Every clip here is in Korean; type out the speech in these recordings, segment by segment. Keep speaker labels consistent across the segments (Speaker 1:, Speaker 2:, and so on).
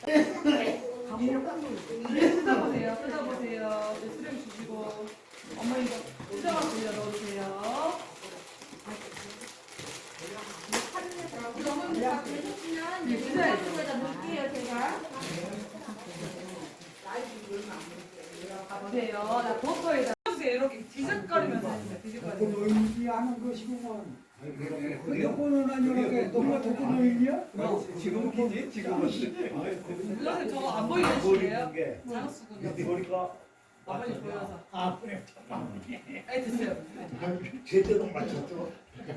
Speaker 1: 뜯어보세요. 뜯어보세요. 이제 수령 주시고 어머니 이거 수정을 돌려 넣으세요.
Speaker 2: 어머니 다 되셨으면 이제 냉장고에다 넣을게요 제가.
Speaker 1: 가보세요. 나 버터에다 주세요. 이렇게 뒤적거리면서 해주세요. 뒤적거리면서.
Speaker 3: 노인이 하는 것이구만. 여권은 아니라 너가 독거 노인이야?
Speaker 4: 지금 키지? 지금은
Speaker 1: 선생님 저거 안 보이는 식이에요? 장수군요.
Speaker 4: 보니까
Speaker 1: 어머니 보여서.
Speaker 3: 아 그래.
Speaker 1: 네, 됐어요.
Speaker 5: 제대로 맞췄죠.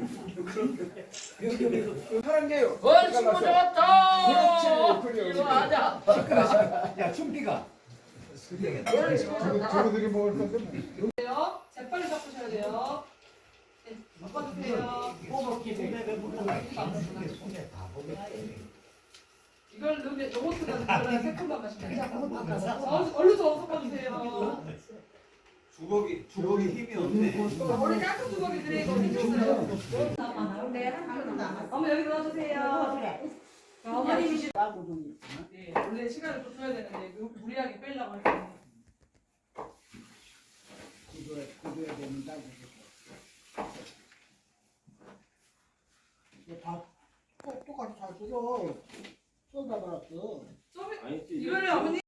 Speaker 3: 하는 게요.
Speaker 6: 친구 잡았다.
Speaker 3: 그렇지.
Speaker 6: 이리 와자.
Speaker 4: 야 춤비가
Speaker 3: 저거들이 먹을 건데 뭐.
Speaker 1: 돼요. 재빨리 섞으셔야 돼요. 네, 섞어주세요. 이걸 넣으면 요거트가 들어가야 새콤한 맛이 나요. 얼른 더 섞어주세요.
Speaker 4: 주걱이 힘이 없네.
Speaker 1: 원래 작은 주걱이들이 이거 생겼어요. 어머 여기 넣어주세요. 어머님이 네, 원래 시간을 좀 줘야 되는데 무리하게 빼려고 할 때는
Speaker 3: 구도야 됩니다. 다 똑같이 잘 뜯어. 쏟아버렸어.
Speaker 1: 이거를 어머니